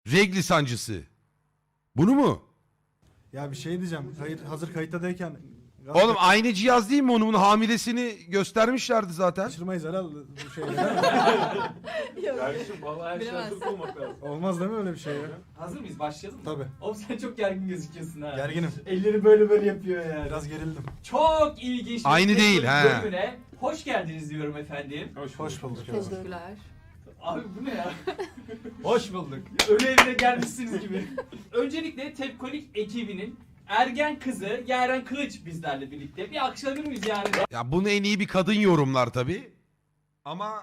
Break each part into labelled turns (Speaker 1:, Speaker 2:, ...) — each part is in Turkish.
Speaker 1: Regli sancısı. Bunu mu?
Speaker 2: Ya bir şey diyeceğim. Hazır kayıttadayken...
Speaker 1: Oğlum aynı cihaz değil mi onun? Bunun hamilesini göstermişlerdi zaten.
Speaker 2: Kaçırmayız herhalde bu şeyleri.
Speaker 3: Kardeşim vallahi her şey hazır olmak lazım.
Speaker 2: Olmaz değil mi öyle bir şey ya?
Speaker 4: Hazır mıyız? Başlayalım mı?
Speaker 2: Tabii.
Speaker 4: Oğlum sen çok gergin gözüküyorsun ha.
Speaker 2: Gerginim.
Speaker 4: Elleri böyle yapıyor yani.
Speaker 2: Biraz gerildim.
Speaker 4: Çok ilginç bir
Speaker 1: Aynı değil,
Speaker 4: teknoloji
Speaker 1: ha.
Speaker 4: bölümüne hoş geldiniz diyorum efendim.
Speaker 2: Hoş bulduk.
Speaker 5: Teşekkürler.
Speaker 4: Abi bu ne ya?
Speaker 3: Hoş bulduk.
Speaker 4: Ölü evine gelmişsiniz gibi. Öncelikle Tepkonik ekibinin ergen kızı Yaren Kılıç bizlerle birlikte. Bir alkışlayabilir miyiz Yaren'e?
Speaker 1: Ya bunu en iyi bir kadın yorumlar tabii. Ama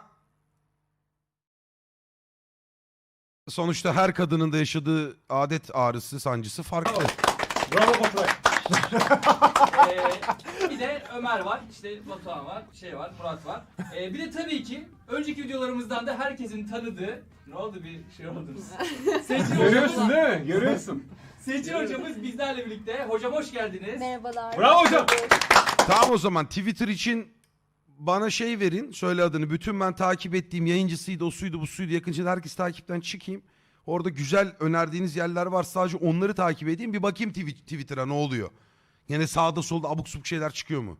Speaker 1: sonuçta her kadının da yaşadığı adet ağrısı, sancısı farklı.
Speaker 3: Bravo Baturay.
Speaker 4: Bir de Ömer var, işte Batuhan var, Murat var. Bir de tabii ki önceki videolarımızdan da herkesin tanıdığı... Ne oldu, bir şey oldu? Seçil
Speaker 3: Görüyorsun
Speaker 4: hocamız,
Speaker 3: değil mi? Görüyorsun.
Speaker 4: Seçil hocamız bizlerle birlikte. Hocam hoş geldiniz.
Speaker 5: Merhabalar.
Speaker 3: Bravo hocam.
Speaker 1: Tamam o zaman Twitter için bana şey verin. Söyle adını. Bütün ben takip ettiğim yayıncısıydı, o suydu, bu suydu. Yakınca herkes takipten çıkayım. Orada güzel önerdiğiniz yerler var. Sadece onları takip edeyim. Bir bakayım Twitter'a ne oluyor. Yine sağda solda abuk subuk şeyler çıkıyor mu?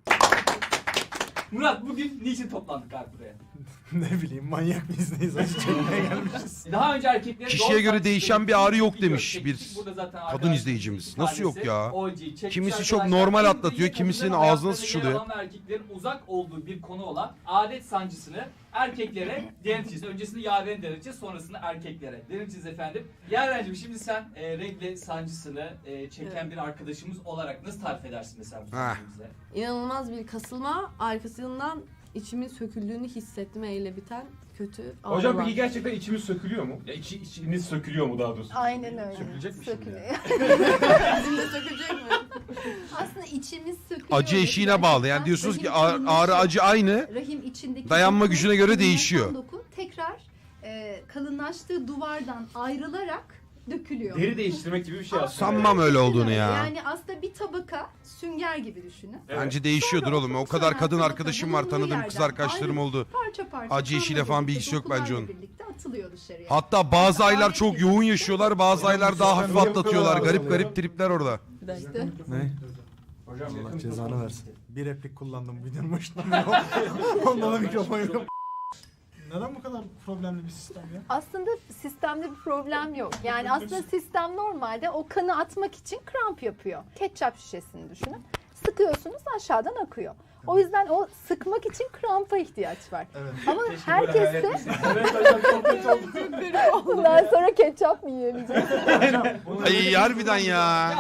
Speaker 4: Murat, bugün niçin toplandık abi buraya?
Speaker 2: Ne bileyim manyak mıyız neyiz? Acı çekmeye gelmişiz.
Speaker 4: Daha önce erkeklere...
Speaker 1: Kişiye
Speaker 4: doğum
Speaker 1: göre
Speaker 4: sancısı
Speaker 1: değişen bir
Speaker 4: ilgili
Speaker 1: ağrı yok
Speaker 4: video
Speaker 1: demiş
Speaker 4: çektik.
Speaker 1: bir
Speaker 4: Burada zaten
Speaker 1: kadın
Speaker 4: arkadaşlarımız
Speaker 1: izleyicimiz.
Speaker 4: bir
Speaker 1: Nasıl yok
Speaker 4: tanesi
Speaker 1: ya?
Speaker 4: OG çekmiş
Speaker 1: Kimisi çok
Speaker 4: arkadaşlar.
Speaker 1: normal
Speaker 4: En
Speaker 1: atlatıyor,
Speaker 4: büyük
Speaker 1: kimisinin
Speaker 4: kadınların
Speaker 1: ağzına
Speaker 4: hayatlarında
Speaker 1: sıçrılıyor.
Speaker 4: yer alan ve erkeklerin uzak olduğu bir konu olan adet sancısını erkeklere deneteceğiz. Öncesinde Yaren'e deneteceğiz, sonrasında erkeklere deneteceğiz efendim. Yaren'cim şimdi sen regle sancısını çeken bir arkadaşımız olarak nasıl tarif edersin mesela bu sancıyı bize?
Speaker 5: İnanılmaz bir kasılma, arkasından içimin söküldüğünü hissettim, eyle biten kötü ağrı
Speaker 3: Hocam
Speaker 5: var.
Speaker 3: peki gerçekten içimiz sökülüyor mu? Ya içimiz sökülüyor mu daha doğrusu?
Speaker 6: Aynen öyle.
Speaker 3: Sökülecek mi şimdi?
Speaker 6: Sökülüyor.
Speaker 5: Bizim de sökülecek mi?
Speaker 6: Aslında içimiz sökülüyor.
Speaker 1: Acı eşiğine bağlı. Yani diyorsunuz ki
Speaker 6: Rahim
Speaker 1: ağrı
Speaker 6: içindeki-
Speaker 1: acı aynı.
Speaker 6: Rahim içindeki
Speaker 1: Dayanma
Speaker 6: doku,
Speaker 1: gücüne göre
Speaker 6: kalınlaşan
Speaker 1: değişiyor.
Speaker 6: Doku tekrar kalınlaştığı duvardan ayrılarak dökülüyor.
Speaker 3: Deri değiştirmek gibi bir şey aslında.
Speaker 1: Sanmam öyle olduğunu ya.
Speaker 6: Yani aslında bir tabaka sünger gibi düşünün.
Speaker 3: Evet.
Speaker 1: Bence değişiyordur
Speaker 6: Sonra
Speaker 1: oğlum. O
Speaker 6: okul
Speaker 1: kadar
Speaker 6: sonra
Speaker 1: kadın
Speaker 6: tabaka
Speaker 1: arkadaşım var,
Speaker 6: bulunduğu
Speaker 1: tanıdığım kız
Speaker 6: yerden
Speaker 1: arkadaşlarım
Speaker 6: ayrı
Speaker 1: oldu.
Speaker 6: Parça parça.
Speaker 1: Acı
Speaker 6: kanla
Speaker 1: işiyle falan bir
Speaker 6: birlikte,
Speaker 1: ilgisi yok bence
Speaker 6: dokularla
Speaker 1: onun.
Speaker 6: birlikte atılıyor dışarıya.
Speaker 1: Hatta bazı aylar
Speaker 6: Adet
Speaker 1: çok
Speaker 6: gibi.
Speaker 1: yoğun yaşıyorlar, bazı aylar daha hafif atlatıyorlar. Garip garip tripler orada.
Speaker 5: İşte.
Speaker 2: Ne?
Speaker 3: Hocam
Speaker 2: Allah
Speaker 3: yakın
Speaker 2: cezanı
Speaker 3: mikrofon.
Speaker 2: versin. Bir replik kullandım videonun başında. Ondan da mikrofon yok. Neden bu kadar problemli bir sistem ya?
Speaker 6: Aslında sistemde bir problem yok. Yani aslında sistem normalde o kanı atmak için kramp yapıyor. Ketçap şişesini düşünün. Sıkıyorsunuz aşağıdan akıyor. O yüzden o sıkmak için krampa ihtiyaç var.
Speaker 2: Evet.
Speaker 6: Ama
Speaker 3: Keşke böyle hayal
Speaker 6: herkeste
Speaker 3: etmeseydim. Evet hocam çok kötü oldu.
Speaker 6: bundan sonra ketçap mı yiyemeyeceğiz?
Speaker 1: Ay harbiden ya.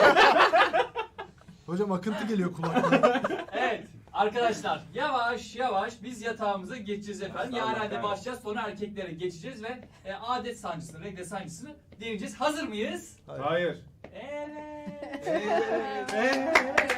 Speaker 2: Hocam akıntı geliyor kulağıma.
Speaker 4: Evet arkadaşlar yavaş yavaş biz yatağımıza geçeceğiz efendim.
Speaker 3: Allah
Speaker 4: Yaren'de
Speaker 3: kahretsin.
Speaker 4: başlayacağız, sonra erkeklere geçeceğiz ve adet sancısını, regle sancısını deneyeceğiz. Hazır mıyız?
Speaker 3: Hayır.
Speaker 4: Evet.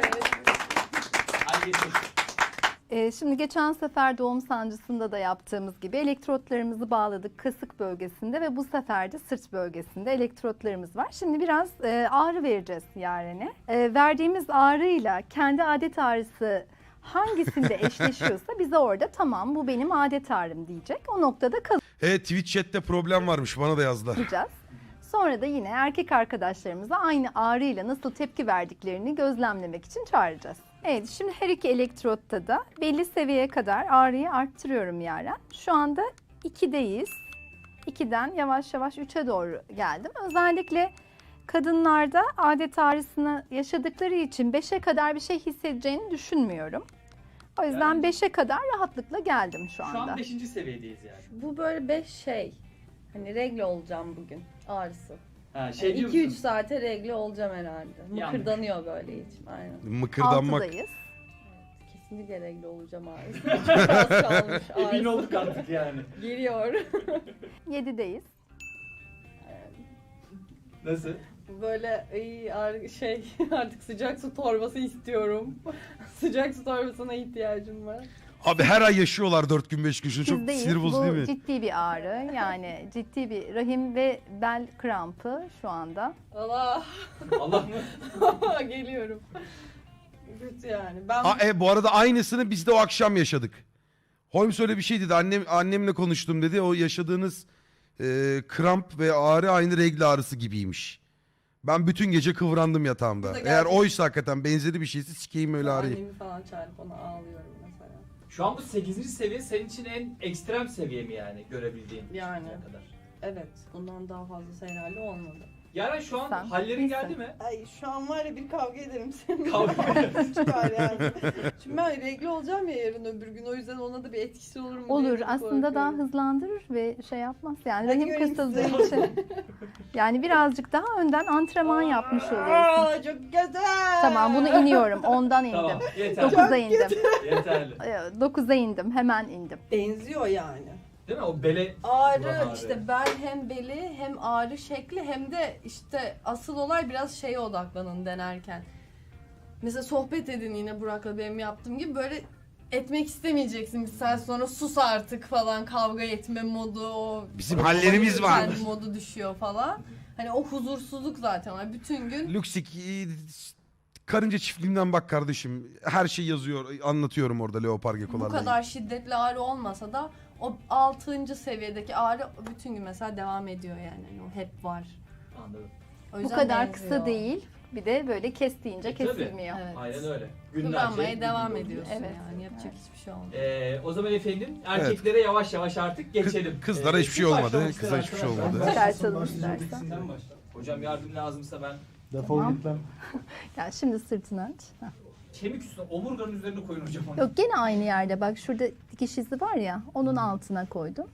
Speaker 4: Hadi geçelim.
Speaker 6: Şimdi geçen sefer doğum sancısında da yaptığımız gibi elektrotlarımızı bağladık kasık bölgesinde ve bu sefer de sırt bölgesinde elektrotlarımız var. Şimdi biraz ağrı vereceğiz Yaren'e. Verdiğimiz ağrıyla kendi adet ağrısı hangisinde eşleşiyorsa bize orada tamam bu benim adet ağrım diyecek. O noktada
Speaker 1: Evet Twitch chat'te problem varmış, bana da yazdılar.
Speaker 6: kalacağız. Sonra da yine erkek arkadaşlarımıza aynı ağrıyla nasıl tepki verdiklerini gözlemlemek için çağıracağız. Evet, şimdi her iki elektrotta da belli seviyeye kadar ağrıyı arttırıyorum Yaren. Şu anda 2'deyiz. 2'den yavaş yavaş 3'e doğru geldim. Özellikle kadınlarda adet ağrısını yaşadıkları için 5'e kadar bir şey hissedeceğini düşünmüyorum. O yüzden
Speaker 4: Yani-
Speaker 6: 5'e kadar rahatlıkla geldim şu
Speaker 4: Şu
Speaker 6: anda.
Speaker 4: an 5. seviyedeyiz yani.
Speaker 7: Bu böyle 5 şey. Hani regle olacağım bugün ağrısı.
Speaker 4: Ha, şey diyor
Speaker 7: 2-3
Speaker 4: musun?
Speaker 7: saate regle olacağım herhalde.
Speaker 4: Yanlış.
Speaker 7: Mıkırdanıyor böyle içim. Aynen.
Speaker 1: Mıkırdanmak.
Speaker 6: 6'dayız.
Speaker 7: Kesinlikle regle olacağım ağrısı. Çok az kalmış
Speaker 4: Emin
Speaker 7: ağrısı.
Speaker 4: olduk artık yani.
Speaker 7: Geliyor.
Speaker 6: 7'deyiz.
Speaker 4: Nasıl?
Speaker 7: Böyle şey artık sıcak su torbası istiyorum. Sıcak su torbasına ihtiyacım var.
Speaker 1: Abi her ay yaşıyorlar 4 gün 5 gün. Şu çok
Speaker 6: Bizdeyiz.
Speaker 1: sinir bozucu
Speaker 6: Bu
Speaker 1: değil mi?
Speaker 6: ciddi bir ağrı. Yani ciddi bir rahim ve bel krampı şu anda.
Speaker 7: Allah.
Speaker 4: Allah mı?
Speaker 7: Geliyorum. Kötü yani. Ben
Speaker 1: Bu arada aynısını biz de o akşam yaşadık. Holmes öyle bir şey dedi. Annemle konuştum dedi. O yaşadığınız kramp ve ağrı aynı regl ağrısı gibiymiş. Ben bütün gece kıvrandım yatağımda.
Speaker 7: Bu da
Speaker 1: Eğer
Speaker 7: gerçek.
Speaker 1: oysa hakikaten benzeri bir şeyse sikeyim öyle ağrıyı.
Speaker 7: Annemi falan çağırıp ona ağlıyorum mesela.
Speaker 4: Şu an bu 8. seviye senin için en ekstrem seviye mi yani görebildiğin?
Speaker 7: Yani.
Speaker 4: şimdiye kadar?
Speaker 7: Evet, bundan daha fazlası herhalde olmadı.
Speaker 4: Yaren şu an
Speaker 6: Sen
Speaker 4: hallerin
Speaker 6: iyisin.
Speaker 4: geldi mi?
Speaker 7: Ay şu an var ya bir kavga ederim seninle.
Speaker 4: Kavga.
Speaker 7: Çıkar yani. Şimdi ben regl olacağım ya yarın öbür gün, o yüzden ona da bir etkisi olur mu diye
Speaker 6: Olur
Speaker 7: de
Speaker 6: aslında daha
Speaker 7: korkuyorum.
Speaker 6: hızlandırır ve şey yapmaz yani
Speaker 7: Hadi
Speaker 6: rahim
Speaker 7: göreyim
Speaker 6: kasıldığı
Speaker 7: sizi.
Speaker 6: için. Yani birazcık daha önden antrenman yapmış oluyorsun.
Speaker 7: Aa, çok güzel.
Speaker 6: Tamam bunu iniyorum. Ondan indim.
Speaker 4: Tamam yeterli.
Speaker 6: 9'a indim.
Speaker 4: Yeterli.
Speaker 6: 9'a indim. Hemen indim.
Speaker 7: Benziyor yani.
Speaker 4: Değil mi? O bele
Speaker 5: Ağrı
Speaker 4: Ulan
Speaker 5: işte bel hem beli hem ağrı şekli hem de işte asıl olay biraz şeye odaklanın denerken. Mesela sohbet edin yine Burak'la benim yaptığım gibi böyle etmek istemeyeceksin bir saat sonra sus artık falan kavga etme modu o
Speaker 1: Bizim hallerimiz var.
Speaker 5: kendi modu düşüyor falan. Hani o huzursuzluk zaten var bütün gün.
Speaker 1: Luxik karınca çiftliğinden bak kardeşim. Her şey yazıyor. Anlatıyorum orada leopar
Speaker 5: Bu
Speaker 1: gekolarla.
Speaker 5: kadar şiddetli ağrı olmasa da o 6. seviyedeki ağrı bütün gün mesela devam ediyor yani. Yani o hep var.
Speaker 4: Anladım.
Speaker 5: O
Speaker 6: Bu
Speaker 5: yüzden
Speaker 6: kadar
Speaker 5: benziyor.
Speaker 6: kısa değil. Bir de böyle kestiğince
Speaker 4: Tabii.
Speaker 6: kesilmiyor.
Speaker 5: Evet.
Speaker 4: Aynen öyle.
Speaker 5: Kıvranmaya devam
Speaker 4: gün boyunca.
Speaker 5: ediyorsun
Speaker 6: Evet.
Speaker 5: yani yapacak hiçbir şey olmuyor.
Speaker 4: O zaman efendim erkeklere yavaş yavaş artık geçelim.
Speaker 1: Kızlara hiçbir şey
Speaker 4: kim
Speaker 1: olmadı.
Speaker 4: başlamak
Speaker 1: Kıza
Speaker 4: ister
Speaker 1: hiçbir şey
Speaker 4: arkadaşlar?
Speaker 1: olmadı.
Speaker 6: Çıkartalım istersen.
Speaker 4: Sen başla. Hocam yardım lazımsa ben
Speaker 2: Defol
Speaker 6: Tamam.
Speaker 2: git lan.
Speaker 6: Yani şimdi sırtını aç. Heh.
Speaker 4: kemik üstüne omurganın üzerine koyun hocam onu.
Speaker 6: Yok gene aynı yerde. Bak şurada dikiş izi var ya. Onun altına koydum.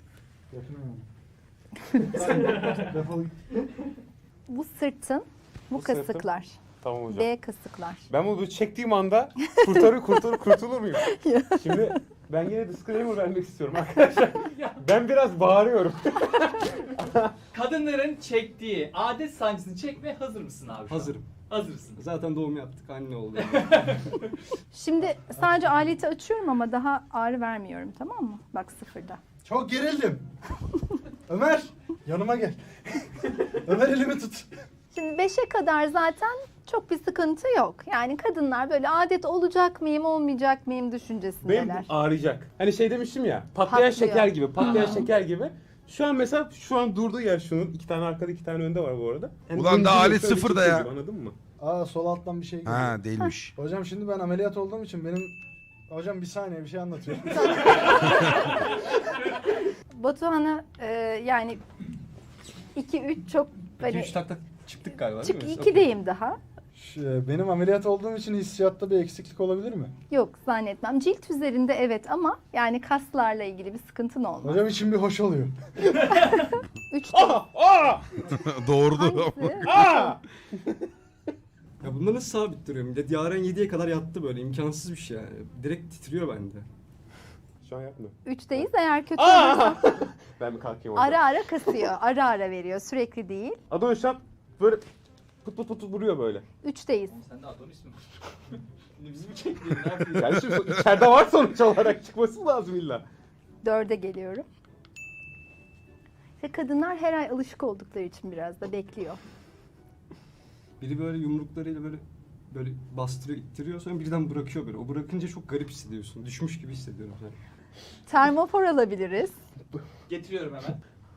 Speaker 2: Defol git.
Speaker 6: Bu sırtın, bu
Speaker 3: Bu sırtın.
Speaker 6: kasıklar.
Speaker 3: Tamam hocam.
Speaker 6: B kasıklar.
Speaker 3: Ben bunu çektiğim anda kurtulur muyum? Şimdi ben yine disclaimer vermek istiyorum arkadaşlar. Ben biraz bağırıyorum.
Speaker 4: Kadınların çektiği adet sancısını çekmeye hazır mısın abi şu an?
Speaker 8: Hazırım.
Speaker 4: Hazırsın.
Speaker 8: Zaten doğum yaptık, anne oldu.
Speaker 6: Şimdi sadece aleti açıyorum ama daha ağrı vermiyorum, tamam mı? Bak sıfırda.
Speaker 2: Çok gerildim. Ömer yanıma gel. Ömer elimi tut.
Speaker 6: Şimdi 5'e kadar zaten çok bir sıkıntı yok. Yani kadınlar böyle adet olacak mıyım, olmayacak mıyım
Speaker 3: Benim
Speaker 6: düşüncesindeler.
Speaker 3: bu ağrıyacak. Hani şey demiştim ya, patlayan
Speaker 6: Patlıyor.
Speaker 3: şeker gibi, patlayan şeker gibi. Şu an mesela durduğu yer şunun. 2 tane arkada 2 tane önde var bu arada. Yani
Speaker 1: Ulan da
Speaker 3: döndürüyor,
Speaker 1: alet
Speaker 3: şöyle
Speaker 1: sıfırda
Speaker 3: çekiyor
Speaker 1: ya.
Speaker 3: gibi, anladın mı?
Speaker 2: Aa sol alttan bir şey geliyor.
Speaker 1: Ha değilmiş.
Speaker 2: Hocam şimdi ben ameliyat olduğum için benim... Hocam bir saniye bir şey anlatıyorum.
Speaker 6: Batuhan'a yani 2-3 çok hani
Speaker 8: 2-3 takla çıktık galiba değil
Speaker 6: çık
Speaker 8: mi?
Speaker 6: 2'deyim daha.
Speaker 2: Benim ameliyat olduğum için hissiyatta bir eksiklik olabilir mi?
Speaker 6: Yok zannetmem. Cilt üzerinde evet ama yani kaslarla ilgili bir sıkıntın olmaz.
Speaker 2: Hocam için bir hoş oluyor.
Speaker 6: 3
Speaker 1: Doğurdu.
Speaker 6: hangisi?
Speaker 3: Aa!
Speaker 8: Ya bunda nasıl sabit duruyor millet? Yaren 7'ye kadar yattı böyle, imkansız bir şey yani. Direkt titriyor bende.
Speaker 3: Şu an yapmıyor.
Speaker 6: 3'teyiz eğer kötü olursa
Speaker 3: Aa! Ben bir kalkayım oradan.
Speaker 6: ara ara kasıyor. Ara ara veriyor. Sürekli değil.
Speaker 3: Adonis şu an böyle pıt pıt pıt vuruyor böyle.
Speaker 6: 3'teyiz.
Speaker 4: Sen de Adonis mi? Şimdi bizi mi çektin? Ne yapıyorsun?
Speaker 3: Yani şimdi içeride var sonuç olarak, çıkması lazım illa.
Speaker 6: 4'e geliyorum. Ve kadınlar her ay alışık oldukları için biraz da bekliyor.
Speaker 8: Biri böyle yumruklarıyla böyle bastırıyor, ittiriyor, sonra birden bırakıyor böyle. O bırakınca çok garip hissediyorsun. Düşmüş gibi hissediyorum yani.
Speaker 6: Termofor alabiliriz.
Speaker 4: Getiriyorum hemen.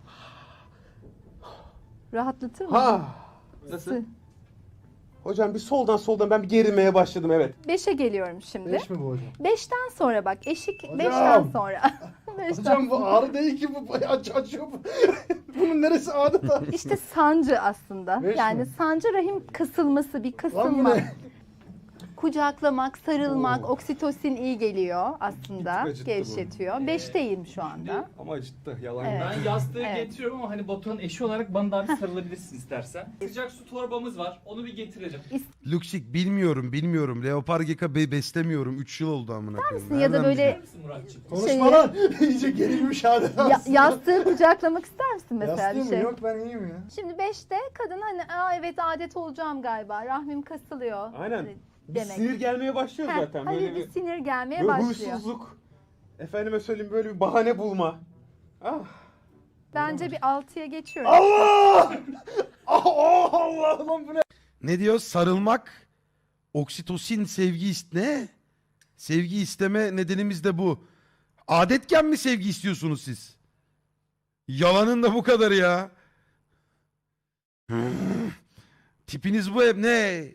Speaker 6: Rahatlatır mı?
Speaker 3: Ha!
Speaker 8: Nasıl?
Speaker 3: Hocam bir soldan ben bir gerilmeye başladım, evet.
Speaker 6: 5'e geliyorum şimdi.
Speaker 2: 5 mi bu hocam?
Speaker 6: 5'ten sonra bak eşik
Speaker 2: Hocam!
Speaker 6: 5'ten sonra. 5'ten
Speaker 2: Hocam bu ağrı değil ki bu bayağı açıyor. Bunun neresi adeta?
Speaker 6: İşte sancı aslında.
Speaker 2: Beş
Speaker 6: Yani
Speaker 2: mi?
Speaker 6: sancı rahim kasılması, bir
Speaker 2: Lan bu
Speaker 6: kasılma.
Speaker 2: ne?
Speaker 6: Kucaklamak, sarılmak,
Speaker 2: Oo.
Speaker 6: oksitosin iyi geliyor aslında.
Speaker 8: Bir tık acıttı bu.
Speaker 6: Gevşetiyor. 5'teyim şu anda.
Speaker 8: Ama acıttı, yalan
Speaker 6: Evet.
Speaker 8: yok.
Speaker 4: Ben yastığı
Speaker 6: Evet.
Speaker 4: getiriyorum ama hani Batuhan'ın eşi olarak bana daha bir sarılabilirsin istersen. Sıcak su torbamız var. Onu bir getirelim.
Speaker 1: Luxik bilmiyorum. Leopar geka beslemiyorum. 3 yıl oldu amına koyayım.
Speaker 6: Ya da
Speaker 1: Nereden
Speaker 6: böyle
Speaker 4: Bilir misin Muratçığım?
Speaker 2: Konuşma lan. İyice gerilmiş adeta.
Speaker 6: yastığı kucaklamak ister misin mesela
Speaker 2: Yastığım
Speaker 6: bir şey?
Speaker 2: yok ben iyiyim ya.
Speaker 6: Şimdi 5'te kadın hani aa evet adet olacağım galiba. Rahmim kasılıyor.
Speaker 3: Aynen. Bir
Speaker 6: Demek.
Speaker 3: sinir gelmeye başlıyor
Speaker 6: Heh,
Speaker 3: zaten.
Speaker 6: hani
Speaker 3: Böyle
Speaker 6: bir sinir gelmeye
Speaker 3: böyle
Speaker 6: başlıyor.
Speaker 3: huysuzluk. Efendime söyleyeyim, böyle bir bahane bulma. Ah.
Speaker 6: Bence bir 6'ya geçiyorum.
Speaker 2: Allah! Allah lan bu ne?
Speaker 1: Ne diyor? Sarılmak, oksitosin, ne? Sevgi isteme nedenimiz de bu. Adetken mi sevgi istiyorsunuz siz? Yalanın da bu kadar ya. Tipiniz bu hep ne?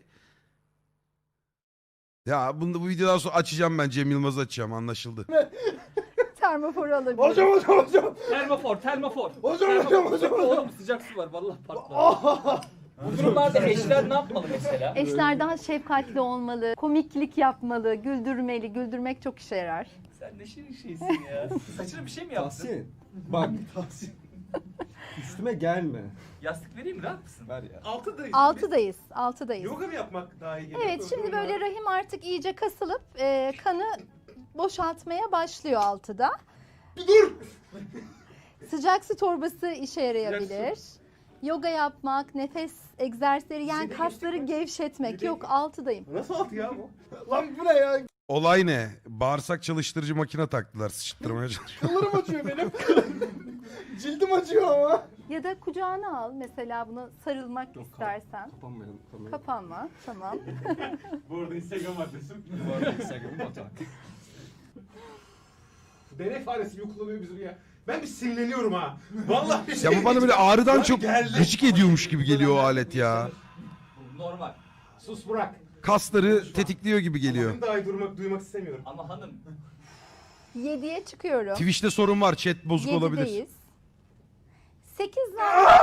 Speaker 1: Ya bunu bu videodan sonra açacağım ben. Cem Yılmaz'ı açacağım, anlaşıldı.
Speaker 6: Termoforu alabilirim.
Speaker 2: Hocam.
Speaker 4: Termofor.
Speaker 2: Hocam.
Speaker 4: Oğlum sıcak su var vallahi patlar. Bu durumlarda eşler ne yapmalı mesela?
Speaker 6: Eşler daha şefkatli olmalı, komiklik yapmalı, güldürmeli. Güldürmek çok işe yarar.
Speaker 4: Sen ne şirin şeysin ya. Saçına bir şey mi yaptın?
Speaker 8: Tahsin. Bak. Üstüme gelme.
Speaker 4: Yastık vereyim mi? Rahat mısın?
Speaker 8: Ver ya.
Speaker 6: Altıdayız.
Speaker 9: Yoga mı yapmak daha iyi?
Speaker 6: Evet, şimdi böyle rahim artık iyice kasılıp kanı boşaltmaya başlıyor altıda.
Speaker 9: Dur!
Speaker 6: Sıcak su torbası işe yarayabilir. Yoga yapmak, nefes egzersizleri, yani kasları gevşetmek. Yok, altıdayım.
Speaker 9: Nasıl altı ya bu?
Speaker 2: Lan bu ne ya?
Speaker 1: Olay ne? Bağırsak çalıştırıcı makine taktılar. Sıçtırmaya çalışıyor.
Speaker 2: Kıllarım acıyor benim. Cildim acıyor ama.
Speaker 6: Ya da kucağına al mesela, bunu sarılmak istersen.
Speaker 8: Kapanmayalım.
Speaker 6: Kapanma, tamam.
Speaker 9: Bu arada Instagram adresim.
Speaker 8: Bu arada Instagram'ı batak.
Speaker 9: Deney faresi gibi kullanıyor bizim ya. Ben bir sinirleniyorum ha. Vallahi bir şey.
Speaker 1: Ya bu bana böyle ağrıdan
Speaker 9: Lan
Speaker 1: çok
Speaker 9: geldi.
Speaker 1: gıcık ediyormuş gibi geliyor o alet ya.
Speaker 4: Normal.
Speaker 9: Sus Burak.
Speaker 1: Kasları tetikliyor gibi geliyor.
Speaker 9: Benim daha iyi duymak istemiyorum.
Speaker 4: Ama hanım
Speaker 6: 7'ye çıkıyorum.
Speaker 1: Twitch'te sorun var. Chat bozuk olabilir.
Speaker 6: 7'deyiz. 8 var.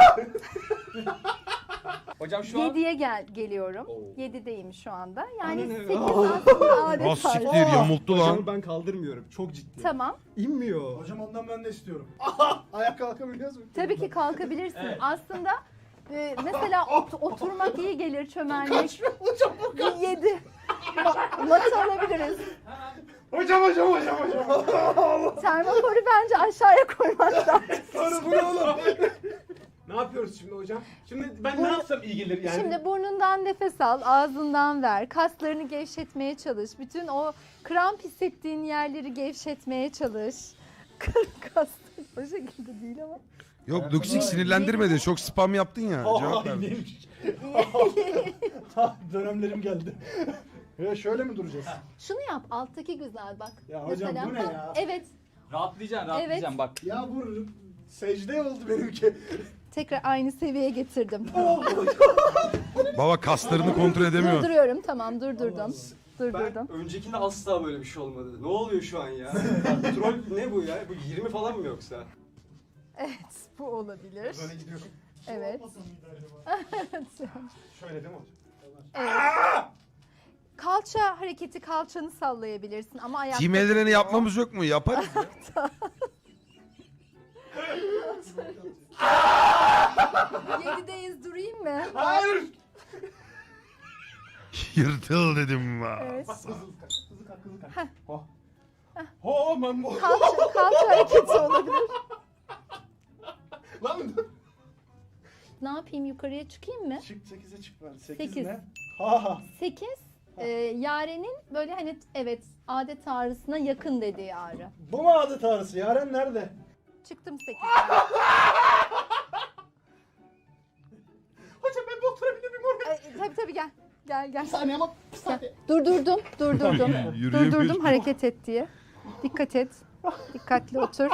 Speaker 4: hocam şu an
Speaker 6: 7'ye geliyorum.
Speaker 4: Oo.
Speaker 6: 7'deyim şu anda. Yani
Speaker 8: Aynen
Speaker 6: 8
Speaker 8: öyle.
Speaker 6: aslında adet
Speaker 1: Az
Speaker 6: tarzı.
Speaker 1: siktir, yamulttu lan.
Speaker 8: Hocam ben kaldırmıyorum. Çok ciddi.
Speaker 6: Tamam.
Speaker 8: İnmiyor.
Speaker 2: Hocam ondan ben de istiyorum. Ayak kalkabiliyoruz mu?
Speaker 6: Tabii ki kalkabilirsin.
Speaker 4: Evet.
Speaker 6: Aslında mesela oturmak iyi gelir, çömelmek. 7. Matı alabiliriz.
Speaker 9: Hocam.
Speaker 6: Termoforu bence aşağıya koymak lazım.
Speaker 9: Sonra bu ne oğlum? Ne yapıyoruz şimdi hocam? Şimdi ben ne yapsam iyi gelir yani?
Speaker 6: Şimdi burnundan nefes al, ağzından ver. Kaslarını gevşetmeye çalış. Bütün o kramp hissettiğin yerleri gevşetmeye çalış. Kaslar o şekilde değil ama.
Speaker 1: Yok Duksik sinirlendirmedi. Çok spam yaptın ya. Cevap ver.
Speaker 2: neymiş? Dönemlerim geldi. Ya şöyle mi duracağız?
Speaker 6: Şunu yap, alttaki güzel bak.
Speaker 2: Ya hocam bu ne ya?
Speaker 6: Evet,
Speaker 4: rahatlayacaksın bak.
Speaker 2: Ya bu secde oldu benimki.
Speaker 6: tekrar aynı seviyeye getirdim.
Speaker 1: Baba kaslarını kontrol edemiyor.
Speaker 6: Durduruyorum, tamam durdurdum. Durdurdum.
Speaker 8: Ben öncekinde asla böyle bir şey olmadı. Ne oluyor şu an ya? Troll ne bu ya? Bu 20 falan mı yoksa?
Speaker 6: Evet, bu olabilir.
Speaker 9: Böyle gidiyorum.
Speaker 6: Evet.
Speaker 9: Şöyle değil mi hocam?
Speaker 6: Evet. Kalça hareketi, kalçanı sallayabilirsin ama ayakta.
Speaker 1: Team ellerini yapmamız yok mu? Yaparız.
Speaker 6: 7'deyiz, durayım mı?
Speaker 9: Hayır.
Speaker 1: Yırtıl dedim va.
Speaker 6: Evet.
Speaker 9: Hızlı kalk. Oh man bu.
Speaker 6: Kalça hareketi olabilir.
Speaker 9: Lan
Speaker 6: Ne yapayım, yukarıya çıkayım mı?
Speaker 2: Çık 8'e çık ben. 8
Speaker 6: Sekiz.
Speaker 2: ne? Ha.
Speaker 6: 8. Yaren'in böyle hani evet adet ağrısına yakın dediği ağrı.
Speaker 2: Bu mu adet ağrısı? Yaren nerede?
Speaker 6: Çıktım 8.
Speaker 9: hocam ben bir oturabilir miyim oraya?
Speaker 6: Tabii gel. Gel.
Speaker 2: Bir saniye ama bir saniye.
Speaker 6: Durdurdum.
Speaker 1: Yürüyemiyoruz.
Speaker 6: Durdurdum hareket et diye. Dikkat et. Dikkatli otur.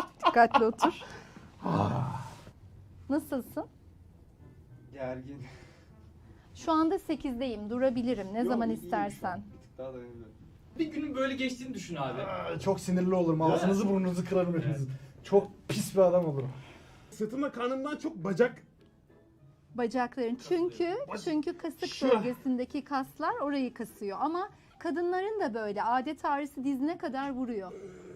Speaker 6: Nasılsın?
Speaker 8: Gergin.
Speaker 6: Şu anda 8'deyim. Durabilirim. Ne
Speaker 8: Yok,
Speaker 6: zaman
Speaker 8: iyiyim şu
Speaker 6: istersen.
Speaker 8: an. Bir tık daha dayanabiliyorum.
Speaker 4: Bir günün böyle geçtiğini düşün abi.
Speaker 2: Çok sinirli olurum. Ağzınızı burnunuzu kırarım hepinizin. Çok pis bir adam olurum.
Speaker 9: Sırtımda karnımdan çok bacak.
Speaker 6: Bacakların. Çünkü kasık
Speaker 9: Şu.
Speaker 6: bölgesindeki kaslar orayı kasıyor. Ama kadınların da böyle adet ağrısı dizine kadar vuruyor.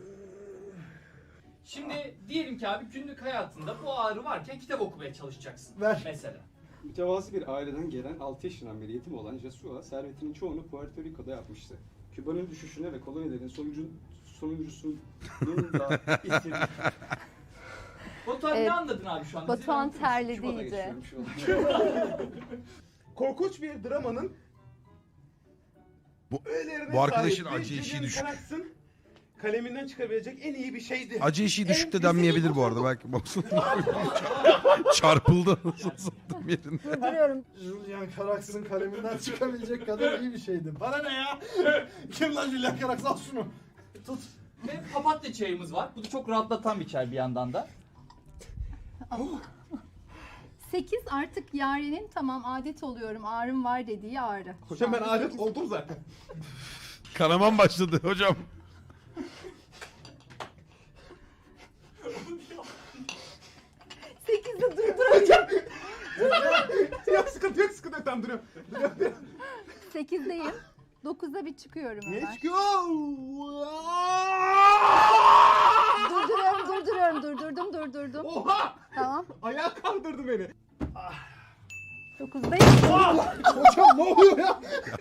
Speaker 4: Şimdi diyelim ki abi günlük hayatında bu ağrı varken kitap okumaya çalışacaksın.
Speaker 2: Ver.
Speaker 4: Mesela.
Speaker 8: Mütevazı bir aileden gelen 6 yaşından beri yetim olan Jesua servetinin çoğunu Puerto Rico'da yapmıştı. Küba'nın düşüşüne ve kolonilerin sonuncusunun da itirdi.
Speaker 4: Batuhan ne anladın abi şu an?
Speaker 6: Batuhan
Speaker 4: Bize
Speaker 6: terledi
Speaker 8: Küba'da
Speaker 6: iyice.
Speaker 8: geçiyorum şu an.
Speaker 9: Korkunç bir dramanın
Speaker 1: Bu-
Speaker 9: öğelerine
Speaker 1: bu arkadaşın
Speaker 9: sahip ve
Speaker 1: acı eşiği
Speaker 9: Julian
Speaker 1: düşük.
Speaker 9: Carax'ın kaleminden çıkabilecek en iyi bir şeydi.
Speaker 1: Acı eşiği düşük de denmeyebilir bu arada. Belki çarpıldı. Nasıl sattım yerinde.
Speaker 6: Durduruyorum.
Speaker 2: Julian Carax'ın kaleminden çıkabilecek kadar iyi bir şeydi. Bana ne ya? Kim lan Julian Carax? Al şunu. Tut.
Speaker 4: Ve papatya çayımız var. Bu da çok rahatlatan bir çay bir yandan da.
Speaker 6: 8 artık Yaren'in tamam adet oluyorum ağrım var dediği ağrı.
Speaker 9: Hocam ben
Speaker 6: Şu anda
Speaker 9: adet
Speaker 6: 8.
Speaker 9: oldum zaten.
Speaker 1: Kanaman başladı hocam.
Speaker 6: Sekizde durduracağım.
Speaker 9: Yok sıkıntı yok sıkıntı yok tamam duruyorum.
Speaker 6: 8'deyim. 9'da bir çıkıyorum
Speaker 9: Ne
Speaker 6: hemen.
Speaker 9: çıkıyor?
Speaker 6: Durdurdum.
Speaker 9: Oha!
Speaker 6: Tamam.
Speaker 9: Ayağa kaldırdı beni.
Speaker 6: 9'dayım.
Speaker 9: Hocam ne oluyor ya?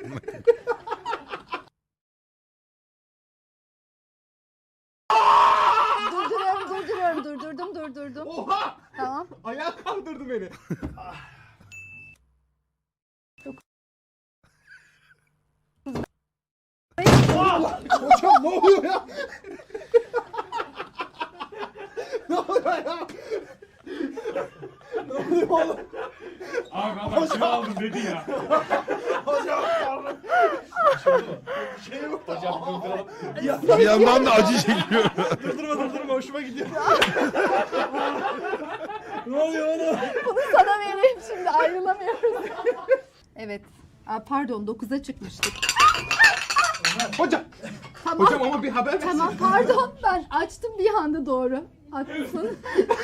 Speaker 6: Durdurdum.
Speaker 9: Oha!
Speaker 6: Tamam.
Speaker 9: Ayağa kaldırdı beni. Hocam ne oluyor ya? Ne oluyor ya? Ne oluyor oğlum?
Speaker 3: Abi adam kilo aldım dedi ya.
Speaker 9: Hocam pardon. Şey yok.
Speaker 3: Hocam durduralım.
Speaker 1: Bir yandan da acı çekiyor.
Speaker 2: Durdurma hoşuma gidiyor. Ne oluyor oğlum?
Speaker 6: Bunu sana vereyim şimdi ayrılamıyoruz. Evet. Aa, pardon 9'a çıkmıştık.
Speaker 9: Hocam.
Speaker 6: Tamam.
Speaker 9: Hocam ama bir haber versin.
Speaker 6: Tamam pardon ben açtım bir anda doğru. Haklısın.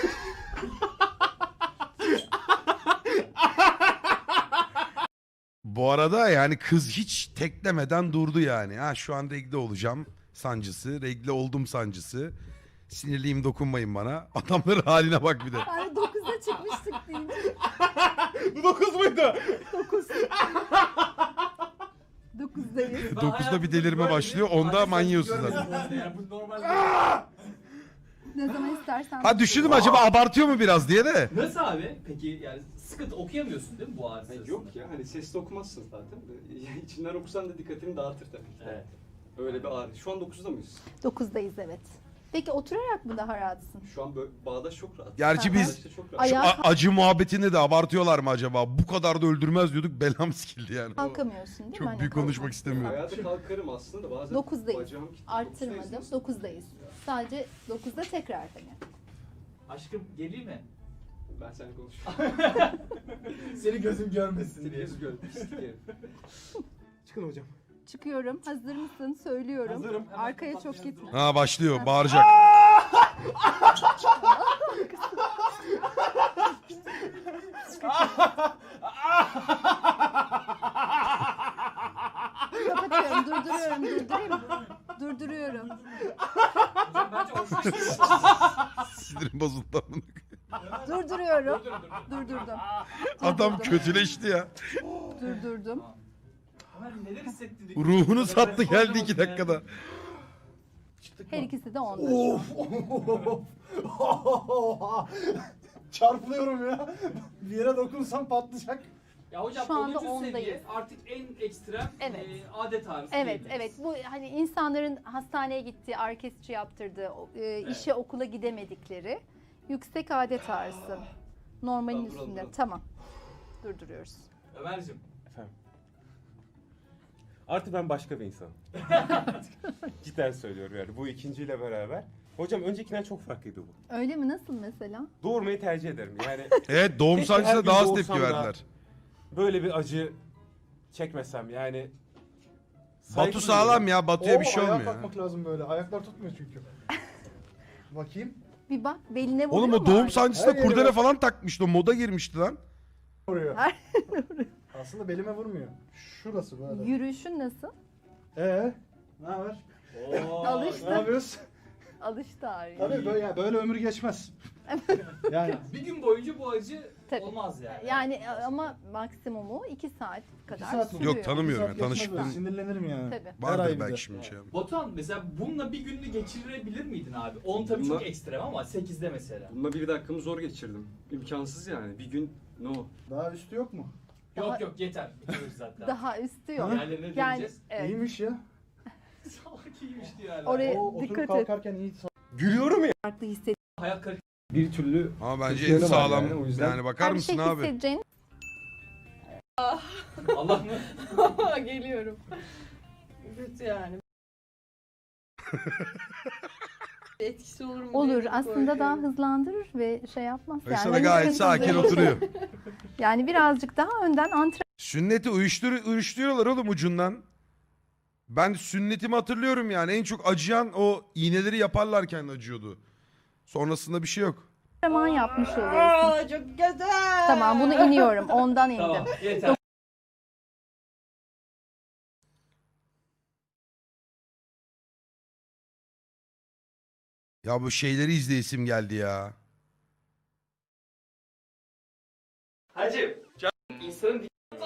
Speaker 1: Bu arada yani kız hiç teklemeden durdu yani. Ha şu an regle olacağım sancısı, regle oldum sancısı. Sinirliyim dokunmayın bana. Adamların haline bak bir de.
Speaker 6: Yani 9'a çıkmıştık deyince.
Speaker 9: Bu 9 muydu?
Speaker 6: 9. 9'dayız.
Speaker 1: 9'da bir delirme başlıyor. Onda manyıyorsun zaten.
Speaker 4: Yani bu normal.
Speaker 6: Ne zaman istersen.
Speaker 1: Ha düşündüm acaba abartıyor mu biraz diye de.
Speaker 4: Nasıl abi? Peki yani sıkıntı okuyamıyorsun değil mi bu ağrı sırasında?
Speaker 8: Yok ya hani sesli okumazsın zaten. İçinden okusan da dikkatini dağıtır tabii ki.
Speaker 4: Evet.
Speaker 8: Öyle bir ağrı. Şu an 9'da mıyız?
Speaker 6: 9'dayız evet. Peki oturarak mı daha rahatsın?
Speaker 8: Şu an böyle bağdaş çok rahat.
Speaker 1: Gerçi biz
Speaker 8: Bağdaşta çok rahat.
Speaker 6: Ay-
Speaker 1: şu
Speaker 6: Ayağa
Speaker 1: acı muhabbetinde de abartıyorlar mı acaba? Bu kadar da öldürmez diyorduk belam sikildi yani.
Speaker 6: Kalkamıyorsun değil mi?
Speaker 1: Çok
Speaker 6: Hani
Speaker 1: büyük konuşmak
Speaker 6: kalkmak.
Speaker 1: istemiyorum.
Speaker 8: Hayata kalkarım aslında da bazen
Speaker 6: 9'dayız.
Speaker 8: bacağım kilitli.
Speaker 6: Arttırmadım.
Speaker 8: 9'dayız.
Speaker 6: 9'dayız. Sadece 9'da tekrar hani.
Speaker 4: Aşkım geleyim mi?
Speaker 8: Ben seninle konuşuyorum.
Speaker 2: Seni gözüm görmesin
Speaker 8: Seni
Speaker 2: diye.
Speaker 8: yüz gördüm. isterim.
Speaker 9: Çıkın hocam.
Speaker 6: Çıkıyorum. Hazır mısın? Söylüyorum.
Speaker 9: Hazırım.
Speaker 6: Arkaya çok gitme.
Speaker 1: Ha başlıyor bağıracak.
Speaker 6: Kapatıyorum. Durduruyorum.
Speaker 4: Bence hoş.
Speaker 1: Sinirim bozuldu.
Speaker 6: Durduruyorum. Durdurdum.
Speaker 1: Adam kötüleşti ya.
Speaker 6: Durdurdum.
Speaker 4: Ömer neler hissettirdik?
Speaker 1: Ruhunu sattı geldi 2 dakikada.
Speaker 6: Her ikisi de 10.
Speaker 2: Çarpılıyorum ya. Bir yere dokunsam patlayacak.
Speaker 4: Ya hocam
Speaker 6: Şu anda
Speaker 4: 10. seviye
Speaker 6: ondayız.
Speaker 4: artık en ekstrem
Speaker 6: Evet.
Speaker 4: adet ağrısı
Speaker 6: Evet,
Speaker 4: diyebiliriz.
Speaker 6: evet. Bu hani insanların hastaneye gittiği, orkestra yaptırdığı, işe okula gidemedikleri yüksek adet ağrısı. Normalin
Speaker 8: Tamam, duralım,
Speaker 6: üstünde.
Speaker 8: duralım.
Speaker 6: Tamam. Durduruyoruz.
Speaker 4: Ömer'cim
Speaker 3: Efendim. Artık ben başka bir insanım. Cidden söylüyorum yani bu ikinciyle beraber. Hocam öncekinden çok farklıydı bu.
Speaker 6: Öyle mi? Nasıl mesela?
Speaker 3: Doğurmayı tercih ederim. Yani
Speaker 1: Evet doğum
Speaker 3: Keşke her
Speaker 1: sancısına
Speaker 3: gün
Speaker 1: daha az
Speaker 3: doğursam
Speaker 1: tepki
Speaker 3: da
Speaker 1: verdiler.
Speaker 3: böyle bir acı çekmesem yani.
Speaker 1: Batu sağlam ya. Batu'ya bir şey
Speaker 2: ayağa
Speaker 1: olmuyor.
Speaker 2: kalkmak lazım böyle. Ayaklar tutmuyor çünkü. Bakayım.
Speaker 6: Bir bak beline vuruyor
Speaker 1: Oğlum o
Speaker 6: mu
Speaker 1: doğum
Speaker 6: ağrı?
Speaker 1: sancısına
Speaker 2: Her yere
Speaker 1: kurdele
Speaker 2: bak.
Speaker 1: falan takmıştı. O moda girmişti lan.
Speaker 2: Vuruyor.
Speaker 6: Her-
Speaker 2: Aslında belime vurmuyor. Şurası böyle.
Speaker 6: Yürüyüşün nasıl?
Speaker 2: Ne haber?
Speaker 4: Oo.
Speaker 2: Ne
Speaker 6: Alıştı.
Speaker 2: yapıyoruz?
Speaker 6: Alıştı ağrıya.
Speaker 2: Tabii böyle, böyle ömür geçmez. Yani
Speaker 4: Bir gün boyunca bu acı
Speaker 6: Tabii.
Speaker 4: olmaz yani.
Speaker 6: Yani ama maksimumu 2 saat kadar
Speaker 2: saat mi?
Speaker 6: sürüyor.
Speaker 1: Yok, tanımıyorum.
Speaker 2: Bir saat
Speaker 1: ya,
Speaker 2: geçmez
Speaker 1: tanışık
Speaker 2: böyle,
Speaker 1: değil.
Speaker 2: sinirlenirim yani.
Speaker 6: Tabii.
Speaker 2: Her
Speaker 1: Vardır
Speaker 2: ay bir
Speaker 1: belki
Speaker 2: de.
Speaker 1: şimdi şey.
Speaker 4: Batuhan mesela bununla bir gününü geçirebilir miydin abi? 10 tabii
Speaker 8: Bununla-
Speaker 4: çok ekstrem ama 8'de mesela.
Speaker 8: Bununla bir dakikamı zor geçirdim. İmkansız yani. Bir gün no.
Speaker 2: Daha üstü yok mu?
Speaker 4: Yok yeter. Bitiriyoruz zaten.
Speaker 6: Daha üstü yok.
Speaker 4: Diğerlerine
Speaker 6: Yani
Speaker 4: döneceğiz.
Speaker 6: evet.
Speaker 2: İyiymiş ya.
Speaker 4: Salak iyiymiş diyor hala.
Speaker 6: Oraya
Speaker 2: O oturup
Speaker 6: dikkat et.
Speaker 2: kalkarken iyi.
Speaker 3: Gülüyorum ya.
Speaker 6: Farklı hisset.
Speaker 4: Hayat kalitesi.
Speaker 8: Bir türlü
Speaker 1: Ama bence
Speaker 8: Türkiye'de
Speaker 1: en
Speaker 8: var
Speaker 1: sağlam.
Speaker 8: yani, o yüzden-
Speaker 1: Yani bakar
Speaker 6: Her bir
Speaker 1: mısın
Speaker 6: şey
Speaker 1: abi?
Speaker 6: hissedeceğin
Speaker 4: Allah mı?
Speaker 7: Geliyorum. Kötü yani. Etkisi olur mu?
Speaker 6: Olur.
Speaker 7: diye
Speaker 6: Aslında daha
Speaker 7: korkuyorum.
Speaker 6: hızlandırır ve şey yapmaz.
Speaker 1: Yoksa
Speaker 6: Yani
Speaker 1: da gayet sakin oturuyor.
Speaker 6: Yani birazcık daha önden
Speaker 1: Sünneti uyuşturuyorlar oğlum ucundan. Ben sünnetimi hatırlıyorum yani. En çok acıyan o iğneleri yaparlarken acıyordu. Sonrasında bir şey yok.
Speaker 6: antrenman yapmış oluyorsun.
Speaker 7: Aa, çok güzel.
Speaker 6: Tamam bunu iniyorum. Ondan indim.
Speaker 4: Tamam yeter.
Speaker 1: Ya bu şeyleri izleyesim geldi ya.
Speaker 4: Hacım, insanın